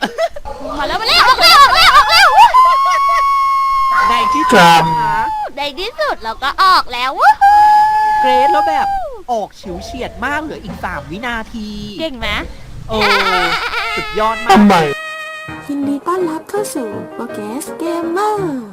มาแล้วออกแล้วในที่สุดนะคะในที่สุดเราก็ออกแล้วเกรดแล้วแบบออกฉิวเฉียดมากเหลืออีก3 วินาทีเก่งไหมสุดยอดมากยินดีต้อนรับเข้าสู่โปเกสเกมเมอร์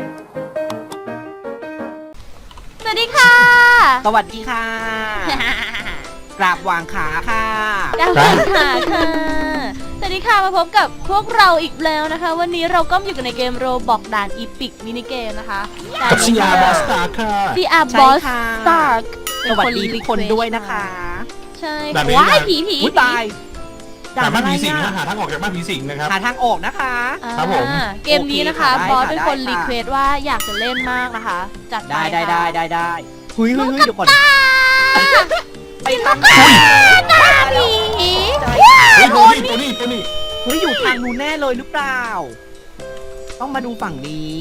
สวัสดีค่ะสวัสดีค่ะ กราบวางขาค่ะกราบวางขาค่ะสวัสดีค่ะมาพบกับพวกเราอีกแล้วนะคะวันนี้เราก็อยู่กันในเกมโรบอกด่านอีพิกมินิเกมนะคะกับซีอาร์บอสตาร์ค่ะซีอาร์บอสตาร์สวัสดีทุกคนด้วยนะคะใช่ว้ายผีตายหาบ้านผีสิงหาทางออกจากบ้านผีสิงนะครับหาทางออกนะคะครับผมเกมนี้นะคะบอสเป็นคนรีเควสว่าอยากจะเล่นมากนะคะจัดได้เฮ้ยเดี๋ยวก่อนไปทางหน้าผีตัวนี้เฮ้ยอยู่ทางนู้นแน่เลยหรือเปล่าต้องมาดูฝั่งนี้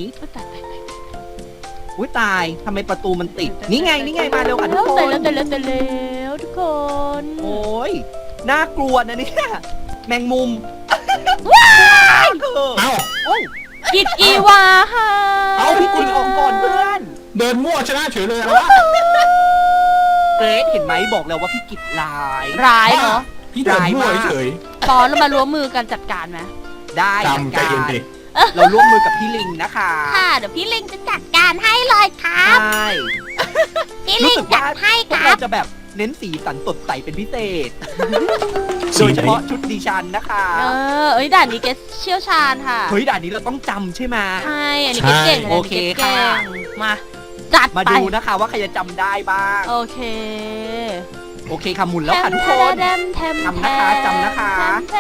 อุ้ยตายทำไมประตูมันติดนี่ไงมาเร็วค่ะทุกคนเร็วทุกคนโอ้ยน่ากลัวนะเนี่ยแมงมุมว้ายเอ้ากิดอีวาค่ะเอาพี่กิดออกก่อนเพื่อนเดินมั่วชนะเฉยเลยนะเกรซเห็นไหมบอกแล้วว่าพี่กิดร้ายเหรอพี่เดินมั่วเฉยตอนเรามาร่วมมือกันจัดการไหมได้จัดการเราร่วมมือกับพี่ลิงนะคะค่ะเดี๋ยวพี่ลิงจะจัดการให้เลยครับใช่พี่ลิงจัดให้ครับเราจะแบบเน้นสีสันสดใสเป็นพิเศษโดยเฉพาะชุดดิฉันนะคะด่านนี้เกสเชี่ยวชาญค่ะเฮ้ยด่านนี้เราต้องจำใช่ไหมใช่อันนี้เกสเก่งโอเคค่ะมาจัดมาดูนะคะว่าใครจะจำได้บ้างโอเคค่ะหมุนแล้วค่ะทุกคนจำนะคะ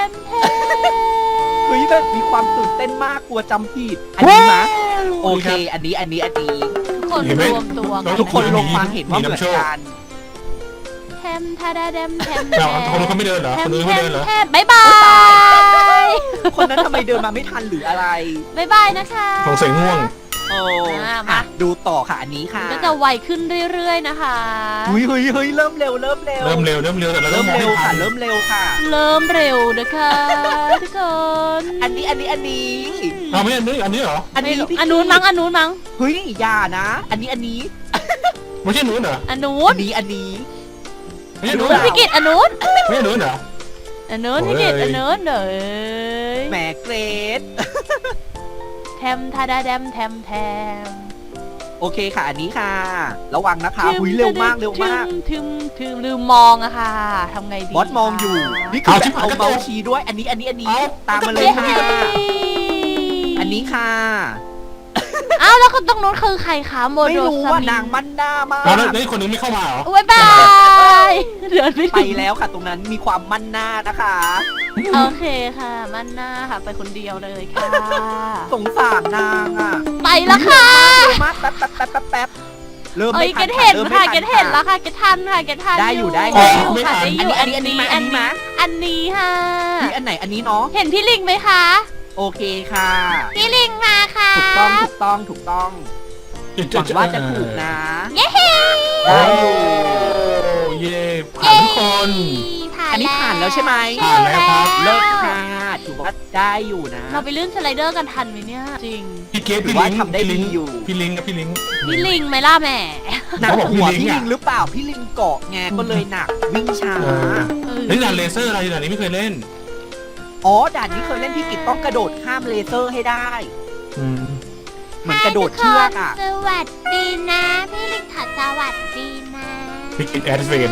เฮ้ยแบบมีความตื่นเต้นมากกลัวจำผิดอันนี้มาโอเคอันนี้ทุกคนรวมตัวทุกคนลงความเห็นว่าเหมือนกันแทมทาดาแดมคนนู้นเขาไม่เดินเหรอคนนู้นไม่เดินเหรอบ๊ายบายคนนั้นทำไมเดินมาไม่ทันหรืออะไรบ๊ายบายนะคะสงสัยง่วงมาดูต่อค่ะอันนี้ค่ะก็จะไวขึ้นเรื่อยๆนะคะเฮ้ยเริ่มเร็วแต่เราเริ่มค่ะเริ่มเร็วค่ะเริ่มเร็วนะคะทุกคนอันนี้เอาไม่อันนี้เหรออันนู้นมั้งเฮ้ยอย่านะอันนี้ไม่ใช่นู้นเหรออันนู้นไม่ใช่นู้นพี่กิตอันนู้นไม่ใช่นู้นเหรออันนู้นพี่กิตอันนู้นเด้อแหมเกรดแทมทาดาแดมแทมโอเคค่ะอันนี้ค่ะระวังนะคะเร็วมากถึงลืมมองอะค่ะทำไงดีบอสมองอยู่นี่คือแบบเอาเบาชีด้วยอันนี้ตามมาเลยค่ะอันนี้ค่ะอ้าวแล้วคนตรงนู้นคือใครคะโมโดไม่รู้ว่านางมันหน้ามากแล้วนี่คนนึงไม่เข้ามาเหรอบ๊ายบายเดินไปแล้วค่ะตรงนั้นมีความมั่นหน้านะคะโอเคค่ะมั่นหน้าค่ะไปคนเดียวเลยค่ะสงสารนางอ่ะไปแล้วค่ะมาแป๊บเริ่มไม่ทันเกตเห็นค่ะเกตเห็นแล้วค่ะเกตทันค่ะเกตทันได้อยู่ค่ะได้อยู่อันนี้ค่ะอันไหนอันนี้เนาะเห็นพี่ลิงไหมคะโอเคค่ะพี่ลิงมาค่ะถูกต้องหวังว่าจะถูกนะเย้ได้อยู่เย้ผ่านทุกคนอันนี้ผ่านแล้วใช่ไหมผ่านแล้วครับเลิกค่ะถือว่าได้อยู่นะเราไปลื่นสไลเดอร์กันทันไหมเนี่ยจริงพี่เกดพี่ลิงทำได้ดีอยู่พี่ลิงไหมล่ะแม่หนักหัวพี่ลิงหรือเปล่าพี่ลิงเกาะไงก็เลยหนักวิ่งช้าเล่นด่านเลเซอร์อะไรด่านนี้ไม่เคยเล่นอ๋อด่านนี้เคยเล่นพี่กิตต้องกระโดดข้ามเลเซอร์ให้ได้เหมือนกระโดดเชือกอ่ะสวัสดีนะพี่ลิงขอสวัสดีนะพี่กิตแอดเฟน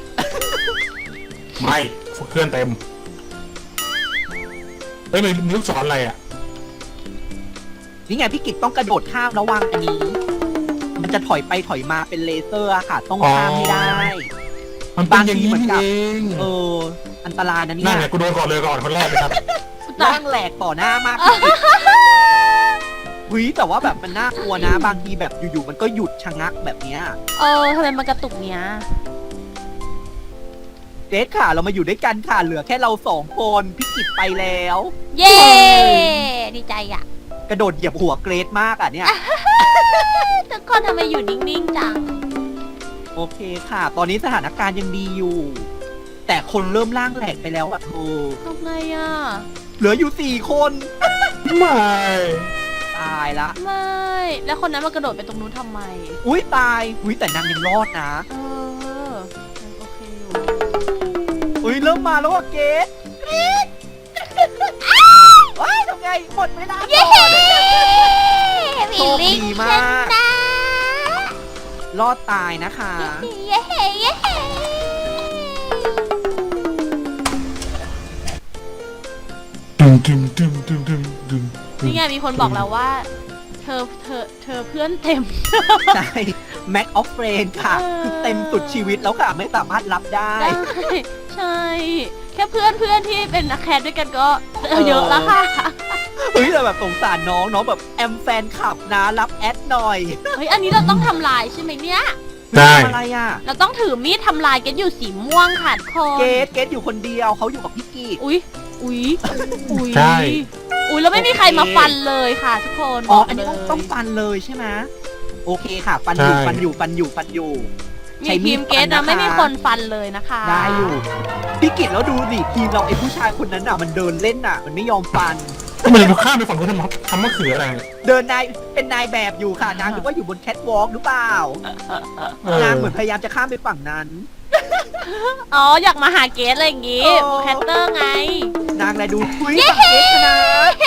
ไม่เพื่อนเต็มเฮ้ยมีลูกศรอะไรอ่ะนี่ไงพี่กิตต้องกระโดดข้ามระวังอันนี้มันจะถอยไปถอยมาเป็นเลเซอร์ค่ะต้องข้ามให้ได้มันบางทีเหมือนกับอันตรายนะเนี่ยนั่นแหละกูโดนก่อนคนแรกเลยครับนั่งแหลกต่อหน้ามากแต่ว่าแบบมันน่ากลัวนะบางทีแบบอยู่ๆมันก็หยุดชะงักแบบเนี้ยทำไมมันกระตุกเนี้ยเกรซค่ะเรามาอยู่ด้วยกันค่ะเหลือแค่เรา2 คนพี่กิตไปแล้วเย้ดีใจอ่ะกระโดดเหยียบหัวเกรซมากอ่ะเนี่ยทุกคนทำไมอยู่นิ่งๆจังโอเคค่ะตอนนี้สถานการณ์ยังดีอยู่แต่คนเริ่มล่างแหลกไปแล้วอ่ะเธอทำไงอ่ะเหลืออยู่4 คนไม่ตายละไม่ แล้วคนนั้นมากระโดดไปตรงนู้นทำไมอุ้ยตายอุ้ยแต่นางยังรอดนะเออโอเคอยู่อุ้ยเริ่มมาแล้วอะเกดว้ายทำไงหมดเวลาก่อนโชคดีมาก รอดตายนะคะเย้เฮ้เย้เฮ้ดึงดึงดึงดึงดึงดึงนี่ไงมีคนบอกเราว่า เธอเพื่อนเต็มใช่ Mac of Friend ค่ะ คือเต็มสุดชีวิตแล้วค่ะ ไม่สามารถรับได้ได้ใช่ แค่เพื่อนที่เป็นนักแคสด้วยกันก็เยอะแล้วค่ะเฮ้ยแต่แบบสงสารน้องแบบแอมแฟนคลับนะรับแอดหน่อยเฮ้ยอันนี้เราต้องทำลายใช่ไหมเนี่ยได้ทำอะไรอ่ะเราต้องถือมีดทำลายกันอยู่สีม่วงค่ะทุกคนเกดอยู่คนเดียวเขาอยู่กับพี่กีดอุ๊ยอุ๊ยใช่อุ๊ยแล้วไม่มีใครมาฟันเลยค่ะทุกคนอ๋อบกอันนี้เลยต้องฟันเลยใช่ไหมโอเคค่ะ ฟันอยู่ใช่ฟันอยู่มีทีมเกสนะไม่มีคนฟันเลยนะคะได้อยู่ พี่กิตแล้วดูดิทีมเราไอ้ผู้ชายคนนั้นอ่ะมันเดินเล่นอ่ะ มันไม่ยอมฟันทำไมเราข้ามไปฝั่งนู้นทำมะเขืออะไรเนี่ยเดินเป็นนายแบบอยู่ค่ะนางคิดว่าอยู่บนแคทวอล์กหรือเปล่าเออนางเหมือนพยายามจะข้ามไปฝั่งนั้นอ๋ออยากมาหาเกสอะไรอย่างงี้โอ้แคตเตอร์ไงนางเลยดูคุยฝั่งเกสชนะ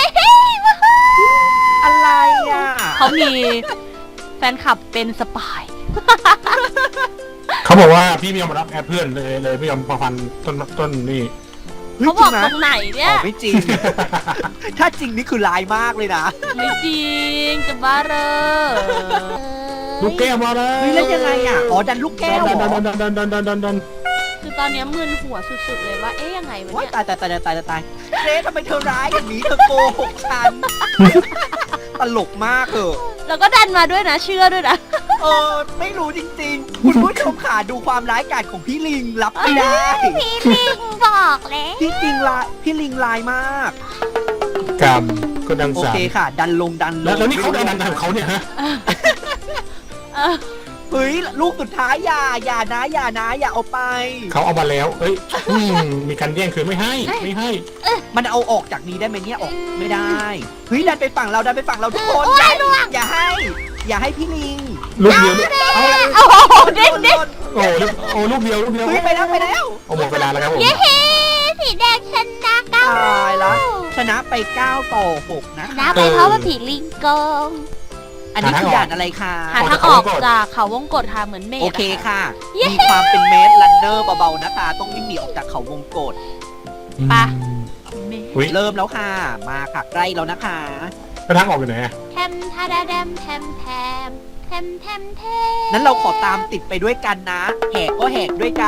อะไรอ่ะเขามีแฟนคลับเป็นสปายเขาบอกว่าพี่ไม่ยอมมารับแอดเพื่อนเลยไม่ยอมมาฟันต้นนี่ฮ้ยเขาบอกจริงตรงไหนเนี่อ๋ยอไม่จริง ถ้าจริงนี่คือลายมากเลยนะไม่จริงจะบ้าเลยลูกแก้วมาเลยเฮ้ยแล้วยังไงอ่ะ อ๋อดันลูกแก้วเหรอดันคือตอนเนี้ยมึนหัวสุดๆเลยว่าเอ๊ยยังไงวะว้ายเนี่ยตายเจ๊ทำไมเธอร้ายอย่างนี้เธอโกหกฉัน ตลกมากเออแล้วก็ดันมาด้วยนะเชื่อด้วยนะไม่รู้จริงๆ คุณผู้ชมขาดูความร้ายกาจของพี่ลิงรับไม่ได้พี่ลิงบอกแล้วพี่ลิงลายมากกรรมก็ดังโอสาเคค่ะ ดันลงแล้วนี่เขาดันของเขาเนี่ยฮะเออเฮ้ยลูกสุดท้ายอย่านะอย่าเอาไปเขาเอามาแล้วเอ้ยมีการแย่งคืนไม่ให้มันเอาออกจากนี้ได้ไหมเนี่ยออกไม่ได้ เฮ้ยดันไปฝั่งเราทุกคนอย่าให้พี่ลิงลูกเดียวเอาโอ้โหเด้งโอ้ลูกเดียวเฮ้ยไปแล้วโอ้หมดเวลาแล้วครับผมเย้สีแดงชนะเก้าตายละชนะไป9-6นะคะนะไปเพราะว่าผีลิงโกงอันนี้คือด่านอะไรคะหาทางออกจากเขาวงกฏค่ะเหมือนเมฆโอเคอะค่ะ มีความเป็นเมสลันเนอร์เบาๆนะคะ ต้องวิ่งหนีออกจากเขาวงกฏไป เมฆอุ้ยเริ่มแล้วค่ะ มาค่ะใกล้แล้วนะคะกระทั่งออกอยู่ไหนแทมทาดาแดมแทมแทมแทมแทมแทมนั้นเราขอตามติดไปด้วยกันนะ แหกก็แหกด้วยกัน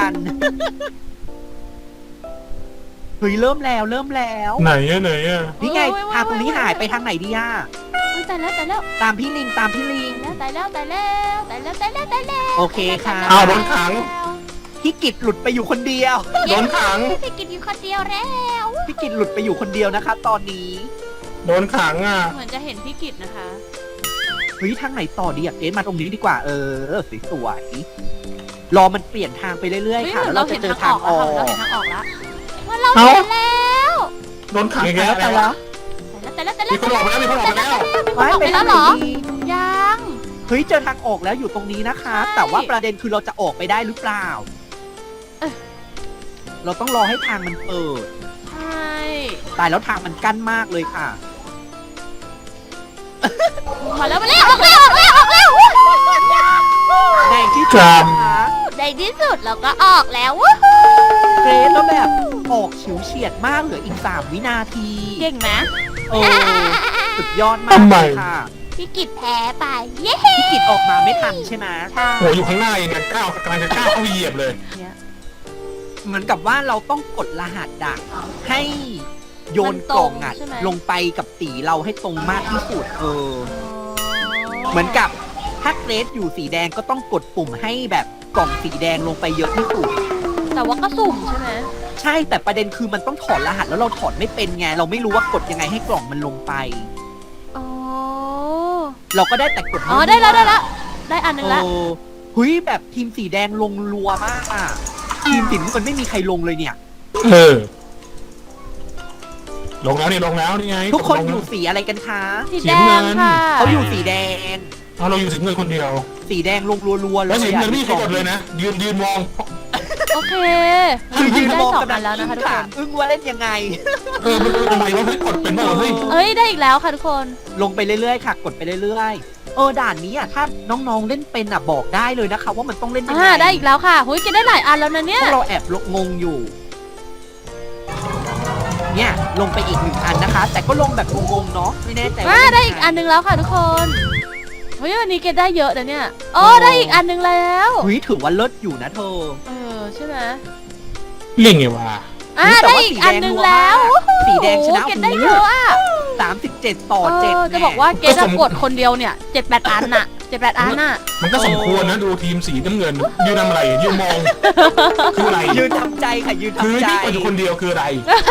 เฮ้ยเริ่มแล้วไหนอะนี่ไงทางตรงนี้หายไปทางไหนดีอะอุ๊ยตายแล้วตามพี่ลิงตายแล้วโอเคค่ะอ้าวโดนขังพี่กิจหลุดไปอยู่คนเดียวโดนขังพี่กินอยู่คนเดียวแล้วพี่กิจหลุดไปอยู่คนเดียวนะคะ ตอนนี้โดนขังอ่ะเหมือนจะเห็นพี่กิจนะคะเฮ้ยทางไหนต่อดีอะเกณฑ์มาตรงนี้ดีกว่าสวยๆรอมันเปลี่ยนทางไปเรื่อยเฮ้ยๆค่ะเหมืแล้อวน เราเราจะเห็นเจอทาทาง งออออก กแล้วเราเห็นทางออกแล้วว่าเราเอ้าเห็นแล้วโดนขังอีกแล้วแต่แต่ละมีคนออกไปแล้วมีคนออกไปแล้วไว้ออกไปไปทาแล้งวไหเหนรอดียังเฮ้ยเจอทางออกแล้วอยู่ตรงนี้นะคะใช่แต่ว่าประเด็นคือเราจะออกไปได้หรือเปล่า เราต้องรอให้ทางมันเปิดใช่ตายแล้วทางมันกั้นมากเลยค่ะมาแล้วออกแล้วในที่คสุรัดบนะคะในที่สุดเราก็ออกแล้วเกรซแล้วแบบออกฉิวเฉียดมากเหลืออีก3 วินาทีเก่งไหมโอ้สุดยอดมากทำไมเลยค่ะพี่กิจแพ้ไป เย้พี่กิจออกมาไม่ทันใช่ไหมใช่โอ้อยู่ข้างหน้าเองเนี่ยก้าวกำลังจะก้าวเข้าเหยียบเลยเหมือนกับว่าเราต้องกดรหัสดักให้โยนกล่องอ่ะลงไปกับสีเราให้ตรงมากที่สุดเหมือนกับถ้าเกรซอยู่สีแดงก็ต้องกดปุ่มให้แบบกล่องสีแดงลงไปเยอะที่สุดแต่ว่าก็สุ่มใช่ไหมใช่แต่ประเด็นคือมันต้องถอดรหัสแล้วเราถอดไม่เป็นไงเราไม่รู้ว่ากดยังไงให้กล่องมันลงไปอ๋อเราก็ได้แต่กดอ๋อได้แล้วได้อันหนึงละโอ้หุยแบบทีมสีแดงลงรัวมากอ่ะทีมสีน้ำเงินไม่มีใครลงเลยเนี่ยเออลงแล้วนี่ไงทุกคนลงอแล้วยู่สีอะไรกันคะสีแดงค่ะเขาอยู่สีแดงเอาเราอยู่สีเงินคนเดียวสีแดงลงรัวๆเลยแล้วสีเงินนี่ใครกดเลยนะยืนมองโอเคคือยืนมองได้กำลัง 2 อันแล้วนะคะทุกคนอึ้งว่าเล่นยังไงมันเป็นอะไรวะเฮ้ยกดเป็นบ้างเฮ้ยเอ้ยได้อีกแล้วค่ะทุกคนลงไปเรื่อยๆค่ะ กดไปเรื่อยๆด่านนี้อ่ะถ้าน้องๆเล่นเป็นอ่ะบอกได้เลยนะคะ ว่ามันต้องเล่นยังไงได้อีกแล้วค่ะหุยกินได้หลายอันแล้วนะเนี่พยวกเราแอบงงอยู่ เนี่ยลงไปอีก1 อันนะคะ แต่ก็ลงแบบงงๆเนาะไม่แน่ใจว่าได้อีกอันนึงแล้วค่ะทุกคนเฮ้ยวันนี้เกดได้เยอะนะเนี่ยได้อีกอันนึงแล้วเฮ้ยถือว่าเลิศอยู่นะเธอใช่ไหมเล่นไงวะได้อีกอันนึงแล้วสีแดงชนะเกดได้เยอะอ่ะ 37 ต่อ 7 จะบอกว่าเกดกดคนเดียวเนี่ย7-8 อันน่ะ7-8 อันน่ะมันก็สมควรนะดูทีมสีน้ำเงินยืนทำอะไรยืนมองคืออะไรยืนทำใจค่ะยืนคือทำใจที่กดอยู่คนเดียวคืออะไร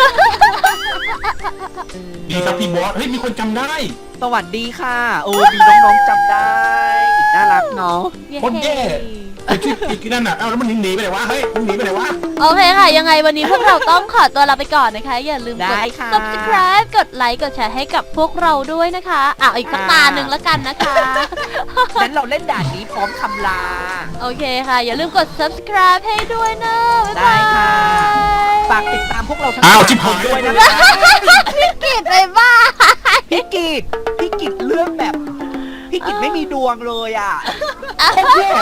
ดีครับพี่บอสเฮ้ยมีคนจำได้สวัสดีค่ะมีน้องๆจำได้น่ารักเนาะคนแย่ไอ้ที่อีกนั่นน่ะแล้วมันหนีไปไหนวะเฮ้ยมันหนีไปไหนวะโอเคค่ะ ยังไงวันนี้พวกเราต้องขอตัวลาไปก่อนนะคะ อย่าลืมกด subscribe กดไลค์กดแชร์ให้กับพวกเราด้วยนะคะอีกสักตาหนึ่งแล้วกันนะคะงั้นเราเล่นด่านนี้พร้อมคำลาโอเคค่ะ อย่าลืมกด subscribe ให้ด้วยนะบ๊ายบายได้ค่ะ ฝากติดตามพวกเราทั้งชิบคหาน ยด้วยนะคะพี่กิดไปบ้าพี่กิจเรื่องแบบพี่กิจไม่มีดวงเลยอ่ะโคตรแย่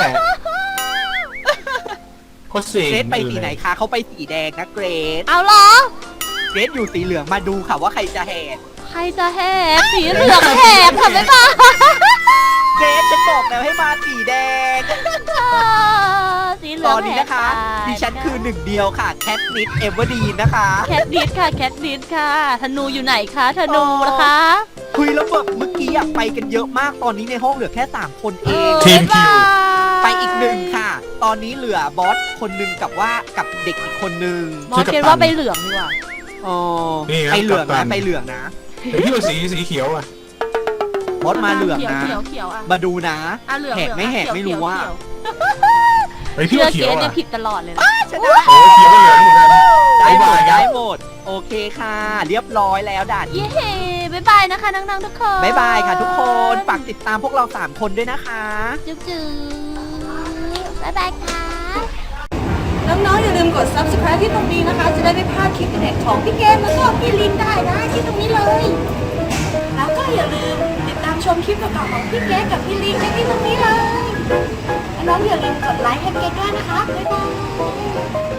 โคตรเซ็งเกรดไปสีไหนคะเขาไปสีแดงนะเกรดเอาเหรอเกรดอยู่สีเหลืองมาดูค่ะว่าใครจะแหกใครจะแหกสีเหลืองแหกค่ะบ๊ายบายเกรดฉันบอกแล้วให้มาสีแดงสีเหลืตองอนนี้นะคะ ดิฉันคือหนึ่งเดียวค่ะแคทนิดเอเวอร์ดีนนะคะแคทดิสค่ะแคทดิสค่ะธนูอยู่ไหนคะธนูนะคะคุยแล้วแบบเมื่อกี้ไปกันเยอะมากตอนนี้ในห้องเหลือแค่3 คนเองทีมคิวไปอีก1ค่ะ ตอนนี้เหลือบอสคนหนึ่งกับเด็กอีกคนหนึ่งมอสเกดว่าไปเหลืองดีกว่าอ๋อนี่นะไปเหลืองกัปตันะนไปเหลืองนะเดี๋ยวพี่ว่าสีเขียวอ่ะบอสมาเหลืองนะเขียวอ่ะมาดูนะเหลืองแหกไม่แหกไม่รู้ว่าไอ้พี่เชื่อว่าเขีเกยวดเนี่ยอ่ะผิดตลอดเลยนะชนะโอ้เขียวก็เหลืองเหมือนกันได้หมดบ๊ายบายได้หมด โอเคค่ะ เรียบร้อยแล้วด่านเย้บ๊ายบายนะคะน้องๆทุกคนบ๊ายบายค่ะทุกคนฝากติดตามพวกเรา3 คนด้วยนะคะจุ๊บจุ๊บบ๊ายบายค่ะน้องๆอย่าลืมกด subscribe ที่ตรงนี้นะคะ จะได้ไม่พลาดคลิปเด็ดของพี่เกมแล้วก็พี่ลินได้นะที่ตรงนี้เลย แล้วก็อย่าลืมติดตามชมคลิปเก่าๆของพี่เกมกับพี่ลินได้ที่ตรงนี้เลย น้องๆอย่าลืมกดไลค์ให้เกมด้วยนะคะ บ๊ายบาย